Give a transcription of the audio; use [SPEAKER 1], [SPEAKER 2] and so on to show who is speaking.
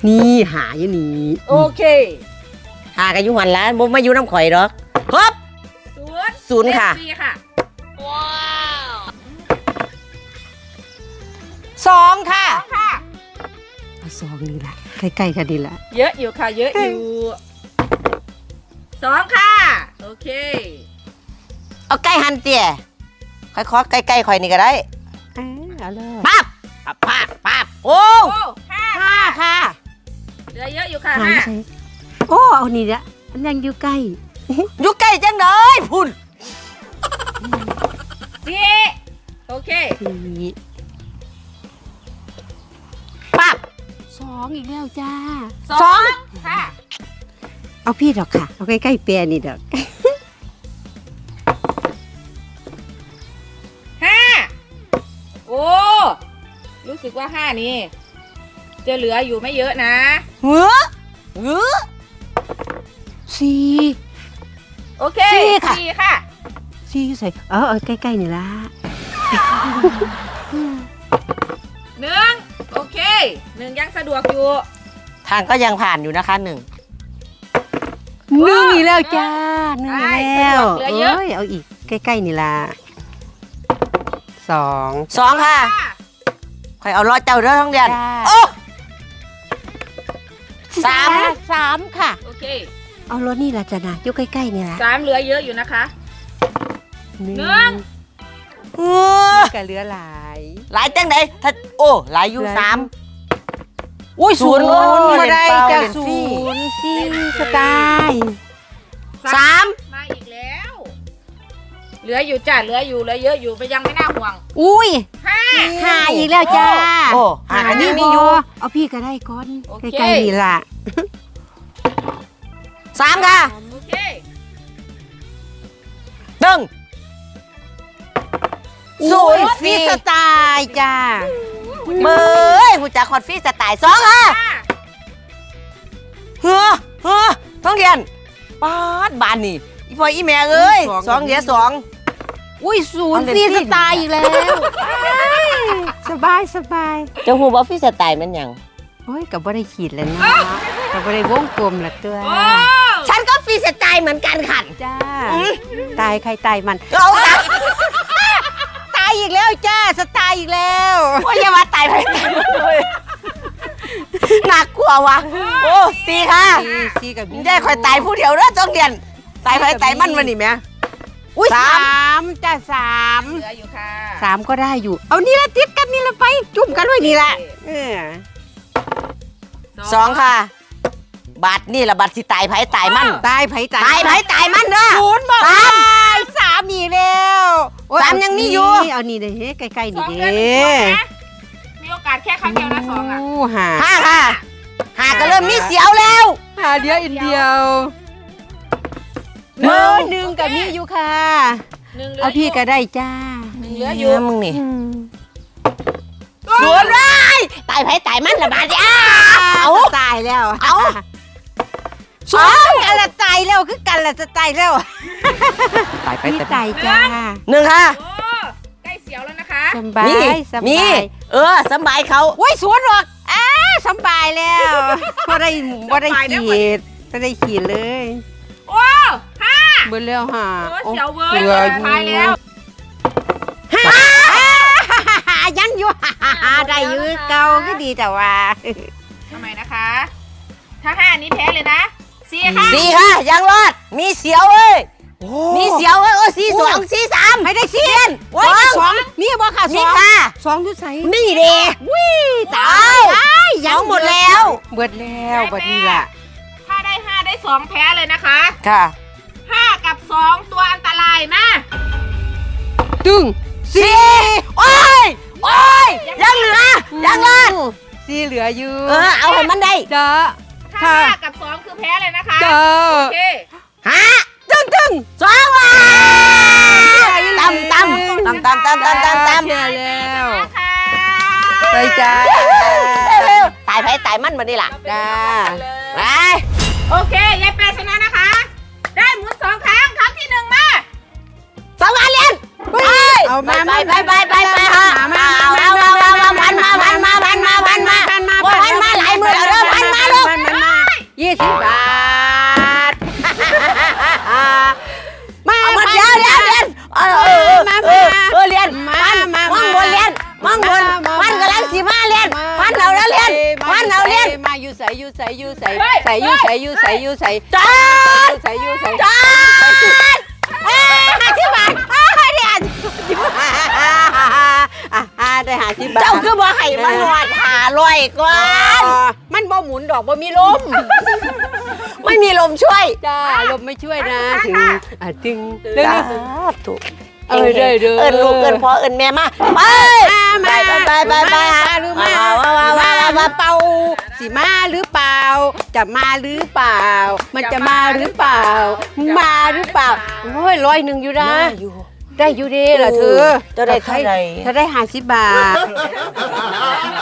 [SPEAKER 1] นี่หาอยู่นี่
[SPEAKER 2] โอเค
[SPEAKER 1] หากันอยู่หันล้านบ่มาอยู่น้ำข่อยดอกครบศูนย์ค่ะ
[SPEAKER 2] ว้าว
[SPEAKER 1] 2ค่ะ
[SPEAKER 2] ค่ะ
[SPEAKER 1] เอา2นี่ละใกล้ๆกันดีละ
[SPEAKER 2] เยอะอยู่ค่ะเยอะอยู่2ค่ะโอเค
[SPEAKER 1] เอาใกล้หันเตี้ยค่อยๆใกล้ๆข่อยนี่ก็ได้เอาเลยปั๊บปั๊บโอ้5ค่ะ
[SPEAKER 2] เหลือเยอะอยู่ค่ะ
[SPEAKER 1] 5โอ้เอานี่ละมันยังอยู่ใกล้อยู่ใกล้จังเลยพุ่น
[SPEAKER 2] 4โอเค
[SPEAKER 1] ปั๊บ2อีกแล้วจ้า
[SPEAKER 2] 2ค่ะ
[SPEAKER 1] เอาพี่ดอกค่ะเอาใกล้ๆเปียนี่ดอก
[SPEAKER 2] 5โอ้รู้สึกว่า5นี่จะเหลืออยู่ไม่เยอะนะ
[SPEAKER 1] 4
[SPEAKER 2] โอเค4ค่ะ
[SPEAKER 1] 4ใส่เอาใกล้ๆนี่ละ
[SPEAKER 2] 1โอเค1ยังสะดวกอยู่
[SPEAKER 1] ทางก็ยังผ่านอยู่นะคะ1อีกแล้วจ้า1แล้วเอาอีกใกล้ๆนี่ละ2ค่ะค่อยเอารอเจ้าเด้อท้องเดือนโอ้3ค่ะ
[SPEAKER 2] โอเค
[SPEAKER 1] เอารถนี่ละจ้ะนะอยู่ใกล้ๆนี่ละ
[SPEAKER 2] 3เหลือเยอะอยู่นะคะ1
[SPEAKER 1] ก็เหลือหลายจังไหนถ้าโอ้หลายอยู่3อุ้ย0มาได้จ้ะ0ที่สไตล์3
[SPEAKER 2] มาอีกแล้วเหลืออยู่จ้ะเหลือเยอะอยู่ไปยังไม่น่าห่วง
[SPEAKER 1] อุ้ย
[SPEAKER 2] 5
[SPEAKER 1] อีกแล้วจ้าโอ้5อันนี้มีอยู่เอาพี่ก็ได้ก่อนใกล้ๆนี่ล่ะ3ค่ะ
[SPEAKER 2] โอเค
[SPEAKER 1] 0ฟรีสไตล์จ้าเบ้ยหูจักคอนฟรีสไตล์2ค่ะเฮ้อท้องเรียนป๊าดบานนี่อีพ่ออีแม่เอ้ย2เหลือ2อุ้ย0ฟรีสไตล์อีกแล้วสบายจะหูว่าฟรีสไตล์มันยังโอ้ยกับบ่ได้ขีดแล้วนะกับบ่ได้วงกลมละตัวฉันก็ฟรีสไตล์เหมือนกันค่ะจ้าตายใครตายมันเอาตายอีกแล้วจ้าสไตล์อีกแล้วโอ้ยอย่ามาตายไปหนักกว่าวะโอ้4ค่ะ4กับได้คอยตายผู้เดียวเด้อจ้องเรียนตายใครตายมันวันนี้แม่อุ้ย3จ้า3
[SPEAKER 2] เหลืออยู่ค่ะ
[SPEAKER 1] 3ก็ได้อยู่เอานี่ละติดกันนี่ละไปจุ่มกันไว้นี่ละ2ค่ะบัตรนี่ละบัตรสิตายไผตายมันตายไผตายมันเด้อ0บอก3อีกแล้ว3ยังมีอยู่เอานี่เด้ใกล้ๆนี่เด้
[SPEAKER 2] มีโอกาสแค่ครั้งเดียวนะ2อ่ะ
[SPEAKER 1] 5ค่ะ5ก็เริ่มมีเสียวแล้ว5เดียวอีกเดียว1กับมีอยู่ค่ะเอาพี่ก็ได้จ้า
[SPEAKER 2] 1เหลืออยู่
[SPEAKER 1] มึงนี่สวนร้ายตายไผตายมันละบาดเอาตายแล้วเอากันละตายแล้วคือกันละจะตายแล้วตายไปตายจ้า1ค่ะ
[SPEAKER 2] ใกล้เสียวแล้วนะคะ
[SPEAKER 1] สบายสบายเขาโอ้ยสวนหรอกสบายแล้วบ่ได้ขีดเลย
[SPEAKER 2] โอ้
[SPEAKER 1] 5เบิ่แล้ว
[SPEAKER 2] เสียวเว้ยตายแล้ว
[SPEAKER 1] ยังอยู่ได้อยู่เก่าก็ดีแต่ว่า
[SPEAKER 2] ทำไมนะคะถ้า5นี้แพ้เลยนะ4
[SPEAKER 1] ค่ะยังรอดมีเสียวเอ้ยมีเสียวเอ้ย4 2 4 3ไม่ได้2นี่บ่ค่ะ2ค่ะ2อยู่ไสนี่เด้ตายยังหมดแล้วบัดนี้ล่ะ
[SPEAKER 2] ถ้าได้5ได้2แพ้เลยนะคะ
[SPEAKER 1] ค่ะ
[SPEAKER 2] 5กับ2ตัวอันตรายนะ
[SPEAKER 1] ตึง4โอ้ยยังเหลือยังรอด4เหลืออยู่เอาให้มันได้
[SPEAKER 2] ถ้า5กับ2คือแพ้เลยนะคะโอเค
[SPEAKER 1] ตึง2ว่ะตำแล้วไปจ้าตายไผตายมันมาดิล่ะจ้าไป
[SPEAKER 2] โอเคยายแปรชนะนะคะได้หมุน2ครั้งที่1มา
[SPEAKER 1] 2วันเรียนเอามาไปฮะเอาพันมาหลายมือแล้วพันมา
[SPEAKER 3] ใส่อยู่ใส่อยู่ใส่ใส่อยู่ใส่อยู่ใส่อยู่ใส่
[SPEAKER 1] จอด
[SPEAKER 3] ใส่อยู่ใส่
[SPEAKER 1] จอด50 บาทได้
[SPEAKER 3] ได้50 บาท
[SPEAKER 1] เจ้าคือบ่ให้มันนวด500ก่อน
[SPEAKER 3] มันบ่หมุนดอกบ่มีลม
[SPEAKER 1] ไม่มีลมช่วย
[SPEAKER 3] จ้าลมไม่ช่วยนะถึงถึง
[SPEAKER 1] ถูก
[SPEAKER 3] เด้อเด้อ
[SPEAKER 1] เอิ้นลูกเอิ้นพ่อเอิ้นแม่มาไปไป
[SPEAKER 3] หรือมาเป่าสิมาหรือเปล่าจะมาหรือเปล่ามันจะมาหรือเปล่ามาหรือเปล่าโอ้ย100อยู่นะได้อยู่ดีล่ะเธอ
[SPEAKER 1] จะได้เท่าไหร่
[SPEAKER 3] ถ้าได้50 บาท